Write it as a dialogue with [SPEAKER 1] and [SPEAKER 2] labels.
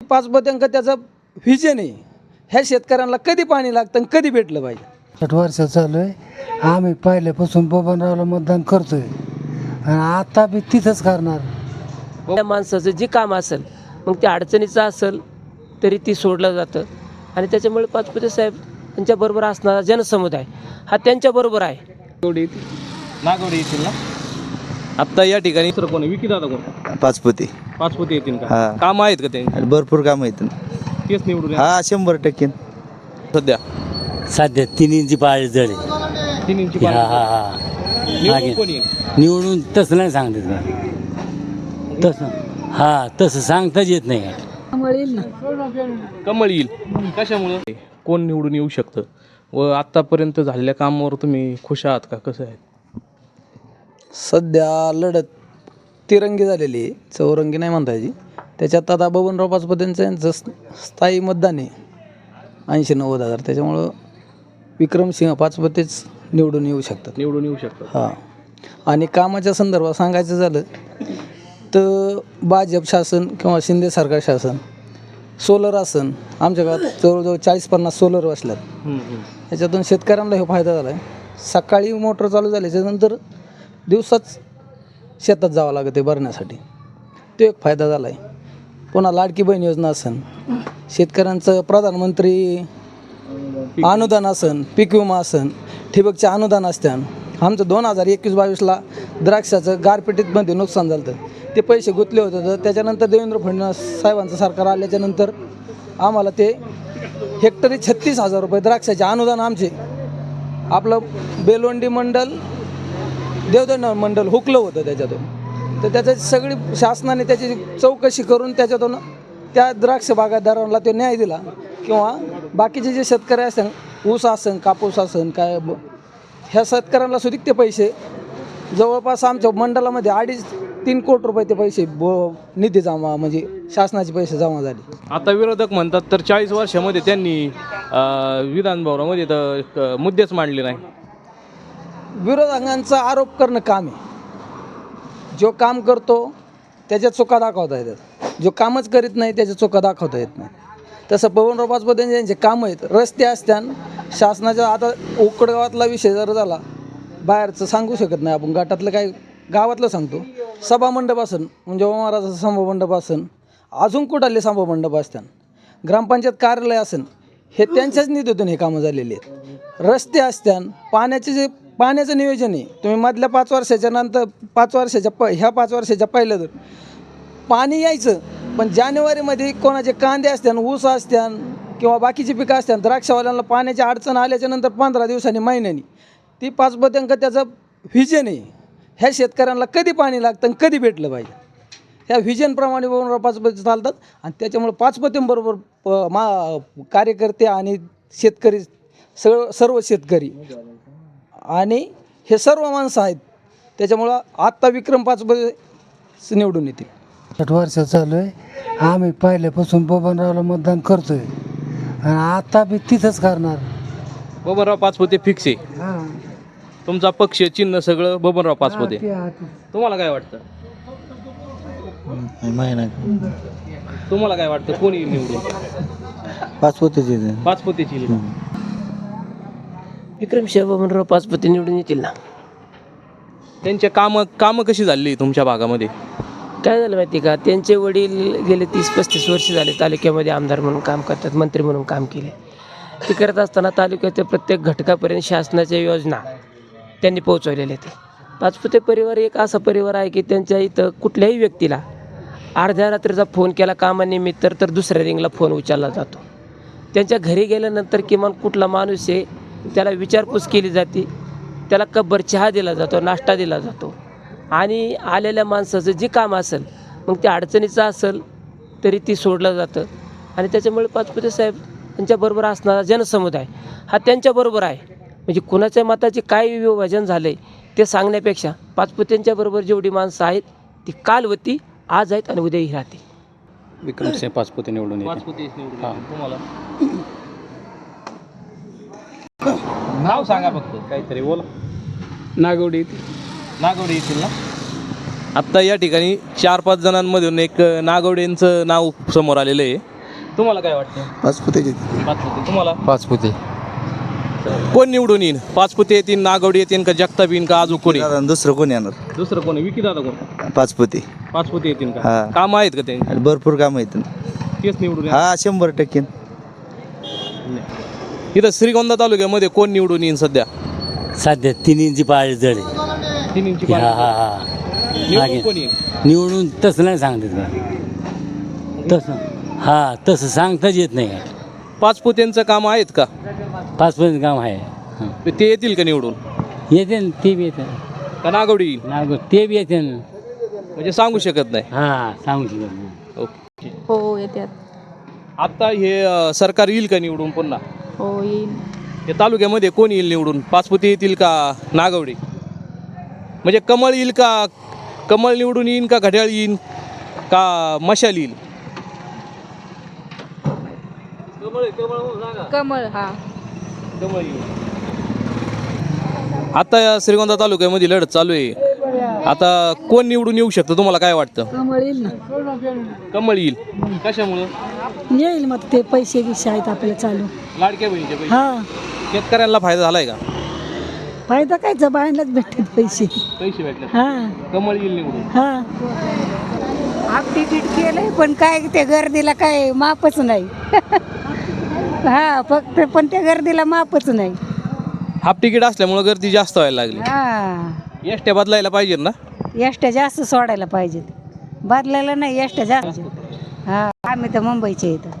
[SPEAKER 1] पाचपत्यांक त्याचं व्हिजन आहे. ह्या शेतकऱ्यांना कधी पाणी लागतं आणि कधी भेटलं पाहिजे.
[SPEAKER 2] 8 वर्ष चालू आहे. आम्ही पहिल्यापासून बबनरावला मतदान करतोय आणि आता बी तिथंच करणार.
[SPEAKER 3] त्या माणसाचं जे काम असेल मग ते अडचणीचं असेल तरी ती सोडलं जातं आणि त्याच्यामुळे पाचपुते साहेब त्यांच्याबरोबर असणारा जनसमुदाय हा त्यांच्याबरोबर आहे.
[SPEAKER 4] नागवडे येतील ना आत्ता या ठिकाणी सर कोण विकी दादा कोण
[SPEAKER 5] पाचपुते
[SPEAKER 4] येतील का
[SPEAKER 5] हा.
[SPEAKER 4] काम आहेत का त्यांनी
[SPEAKER 5] भरपूर काम आहेत.
[SPEAKER 4] तेच निवडून
[SPEAKER 5] हा 100%
[SPEAKER 4] सध्या
[SPEAKER 6] सध्या 3 इंची पाळी जळी.
[SPEAKER 4] 3 इंची
[SPEAKER 6] हा
[SPEAKER 4] पाणी.
[SPEAKER 6] हा हा
[SPEAKER 4] निवडून कोण येईल
[SPEAKER 6] निवडून तसं नाही सांगते तसं तसं सांगताच येत नाही.
[SPEAKER 4] कमळ येईल कशामुळं कोण निवडून येऊ शकतं व आत्तापर्यंत झालेल्या कामावर तुम्ही खुश आहात का कसं आहे?
[SPEAKER 1] सध्या लढत तिरंगी झालेली आहे, चौरंगी नाही म्हणता यायची. त्याच्यात आता बबनराव पाचपत्यांचं यांचं स्थायी मतदान आहे 80-90 हजार. त्याच्यामुळं विक्रमसिंह पाचपतेच निवडून येऊ शकतात. हां. आणि कामाच्या संदर्भात सांगायचं झालं तर भाजप शासन किंवा शिंदे सरकार शासन सोलर असन आमच्या गावात जवळजवळ 40-50 सोलर बसल्यात. याच्यातून शेतकऱ्यांना हे फायदा झाला आहे. सकाळी मोटर चालू झाल्याच्यानंतर दिवसाच शेतात जावं लागतं आहे भरण्यासाठी. तो एक फायदा झाला आहे. पुन्हा लाडकी बहीण योजना असन, शेतकऱ्यांचं प्रधानमंत्री अनुदान असन, पीक विमा असन, ठिबकचे अनुदान असत्यान. आमचं 2021-22ला द्राक्षाचं गारपिटीमध्ये नुकसान झालं होतं. ते पैसे गुंतले होते. तर त्याच्यानंतर देवेंद्र फडणवीस साहेबांचं सरकार आल्याच्यानंतर आम्हाला ते हेक्टरी 36,000 रुपये द्राक्षाचे अनुदान आमचे आपलं बेलवंडी मंडल देवदंड मंडल हुकलं होतं त्याच्यातून. तर त्याची सगळी शासनाने त्याची चौकशी करून त्याच्यातून त्या द्राक्ष बागायतदारांना तो न्याय दिला. किंवा बाकीचे जे शेतकरी असेल ऊस असन कापूस असन काय ह्या शेतकऱ्यांना सुद्धा ते पैसे जवळपास आमच्या मंडळामध्ये 2.5-3 कोटी रुपये ते पैसे निधी जमा म्हणजे शासनाचे पैसे जमा झाले.
[SPEAKER 4] आता विरोधक म्हणतात तर 40 वर्षामध्ये त्यांनी विधान भवनामध्ये तर मुद्देच मांडले नाही.
[SPEAKER 1] विरोधकांचा आरोप करणं काम आहे. जो काम करतो त्याच्या चुका दाखवता येतात, जो कामच करीत नाही त्याच्या चुका दाखवता येत नाही. तसं बबनराव पाचपते यांचे कामं आहेत. रस्ते असत्यान शासनाच्या आता उकडगावातला विषय जर झाला बाहेरचं सांगू शकत नाही आपण, गटातलं काय गावातलं सांगतो. सभामंडप असन म्हणजे महाराजाचं सभामंडप असन, अजून कुठाले सभामंडप असत्यान, ग्रामपंचायत कार्यालय असन, हे त्यांच्याच निधीतून हे कामं झालेली आहेत. रस्ते असत्यान, पाण्याचं नियोजन आहे. तुम्ही मधल्या 5 वर्षाच्या नंतर 5 वर्षाच्या पहिलं तर पाणी यायचं, पण जानेवारीमध्ये कोणाचे कांदे असत्यान, ऊस असत्यान किंवा बाकीची पिकं असत्यान, द्राक्षवाल्यांना पाण्याची अडचण आल्याच्यानंतर 15 दिवसांनी महिन्यानी ती पाचपत्यांक त्याचं व्हिजन आहे. ह्या शेतकऱ्यांना कधी पाणी लागतं आणि कधी भेटलं पाहिजे ह्या व्हिजनप्रमाणे बबनराव पाचपते चालतात. आणि त्याच्यामुळे पाचपत्यांबरोबर कार्यकर्ते आणि शेतकरी सर्व शेतकरी आणि हे सर्व माणसं आहेत. त्याच्यामुळं आत्ता विक्रम पाचपते निवडून येतील.
[SPEAKER 2] 8 वर्ष चालू आहे. आम्ही पहिल्यापासून बबनरावला मतदान करतोय आणि आता बी तिथंच करणार.
[SPEAKER 4] बबनराव पाचपुते फिक्स आहे. तुमचा पक्ष चिन्ह सगळं बबनराव पाचपुते. तुम्हाला काय वाटतं? तुम्हाला काय वाटतं कोणी निवडून? पाचपुतेची
[SPEAKER 3] विक्रमसिंह बबनराव पाचपुते निवडून येतील ना.
[SPEAKER 4] त्यांच्या कामं कशी झाली तुमच्या भागामध्ये?
[SPEAKER 3] काय झालं माहिती का, त्यांचे वडील गेले 30-35 वर्ष झाले तालुक्यामध्ये आमदार म्हणून काम करतात, मंत्री म्हणून काम केले. ते करत असताना तालुक्याच्या प्रत्येक घटकापर्यंत शासनाच्या योजना त्यांनी पोहोचवलेल्या आहेत. पाचपुते परिवार एक असा परिवार आहे की त्यांच्या इथं कुठल्याही व्यक्तीला अर्ध्या रात्रीचा फोन केला कामानिमित्त तर दुसऱ्या रिंगला फोन उचलला जातो. त्यांच्या घरी गेल्यानंतर किमान कुठला माणूस आहे त्याला विचारपूस केली जाते, त्याला कब्बर चहा दिला जातो, नाश्ता दिला जातो. आणि आलेल्या माणसाचं जे काम असेल मग ते अडचणीचं असेल तरी ती सोडलं जातं आणि त्याच्यामुळे पाचपुते साहेब त्यांच्याबरोबर असणारा जनसमुदाय हा त्यांच्याबरोबर आहे. म्हणजे कुणाच्या मताचे काय विभाजन झालं आहे ते सांगण्यापेक्षा पाचपुत्यांच्याबरोबर जेवढी माणसं आहेत ती काल होती, आज आहेत आणि उद्याही राहते.
[SPEAKER 7] विक्रमसिंह पाचपुते निवडून येते.
[SPEAKER 4] तुम्हाला नाव सांगा फक्त काहीतरी बोला.
[SPEAKER 7] नागवडी
[SPEAKER 4] येतील ना. आत्ता या ठिकाणी 4-5 जणांमधून एक नागवडेंचं नाव समोर आलेलं आहे. तुम्हाला काय वाटतं?
[SPEAKER 1] पाचपुतेची
[SPEAKER 4] पाचपुते. तुम्हाला
[SPEAKER 7] पाचपुते.
[SPEAKER 4] कोण निवडून येईन? पाचपुते येतील, नागवडी येतील का जगताप येईन का अजून कोणी?
[SPEAKER 5] दुसरं कोण येणार?
[SPEAKER 4] दुसरं कोणी? विकी दादा कोण?
[SPEAKER 5] पाचपुते.
[SPEAKER 4] पाचपुते येतील का?
[SPEAKER 5] हा.
[SPEAKER 4] काम आहेत का त्यांची?
[SPEAKER 5] आणि भरपूर काम आहेत.
[SPEAKER 4] तेच निवडून येणार.
[SPEAKER 5] हा 100%.
[SPEAKER 4] इथं श्रीगोंदा तालुक्यामध्ये कोण निवडून येईन सध्या?
[SPEAKER 6] सध्या 3 इंची पाळी जड आहे.
[SPEAKER 4] 3 इंची
[SPEAKER 6] हा
[SPEAKER 4] पाणी.
[SPEAKER 6] हा हा
[SPEAKER 4] निवडून कोण येईन?
[SPEAKER 6] निवडून तसं नाही सांगतात का तसं हा तसं सांगताच येत नाही का
[SPEAKER 4] पाचपुत्यांचं काम आहेत का?
[SPEAKER 6] पाचपर्यंत काम आहे हं.
[SPEAKER 4] ते येतील का निवडून?
[SPEAKER 6] येते ना ते बी येते
[SPEAKER 4] का नागवडी येईल?
[SPEAKER 6] नागो ते बी येते ना
[SPEAKER 4] म्हणजे सांगू शकत नाही.
[SPEAKER 6] हा सांगू शकत नाही.
[SPEAKER 4] ओके.
[SPEAKER 8] हो येतात.
[SPEAKER 4] आता हे सरकार येईल का निवडून पुन्हा?
[SPEAKER 8] हो येईल.
[SPEAKER 4] या तालुक्यामध्ये कोण येईल निवडून? पाचपुते येतील का नागवडी? म्हणजे कमळ येईल का? कमळ निवडून येईन का घड्याळ येईन का मशाल येईल?
[SPEAKER 8] कमळ हा.
[SPEAKER 4] कमळ येईल. आता या श्रीगोंदा तालुक्यामध्ये लढत चालू आहे. आता कोण निवडून येऊ शकतं तुम्हाला काय वाटतं?
[SPEAKER 9] कमळ येईल ना.
[SPEAKER 4] कमळ येईल. कशामुळं?
[SPEAKER 9] येईल मग ते पैसे बिशे आहेत आपले चालू.
[SPEAKER 4] लाडक्या बहिणीचे पैसे.
[SPEAKER 9] हा
[SPEAKER 4] शेतकऱ्यांना फायदा झालाय का?
[SPEAKER 9] फायदा काय जबाईलाच भेटतात पैसे.
[SPEAKER 4] पैसे भेटले.
[SPEAKER 9] हा
[SPEAKER 4] कमळ येईल निवडून.
[SPEAKER 9] हा
[SPEAKER 10] हाफ तिकीट केलंय पण काय ते गर्दीला काय मापच नाही. हा फक्त पण त्या गर्दीला मापच नाही.
[SPEAKER 4] हाफ तिकीट असल्यामुळे गर्दी जास्त व्हायला लागली.
[SPEAKER 10] हा
[SPEAKER 4] एसट्या बदलायला पाहिजे ना?
[SPEAKER 10] एसट्या जास्त सोडायला पाहिजेत. बदलायला नाही एसट्या जास्त. हा आम्ही तर मुंबईचे इथं.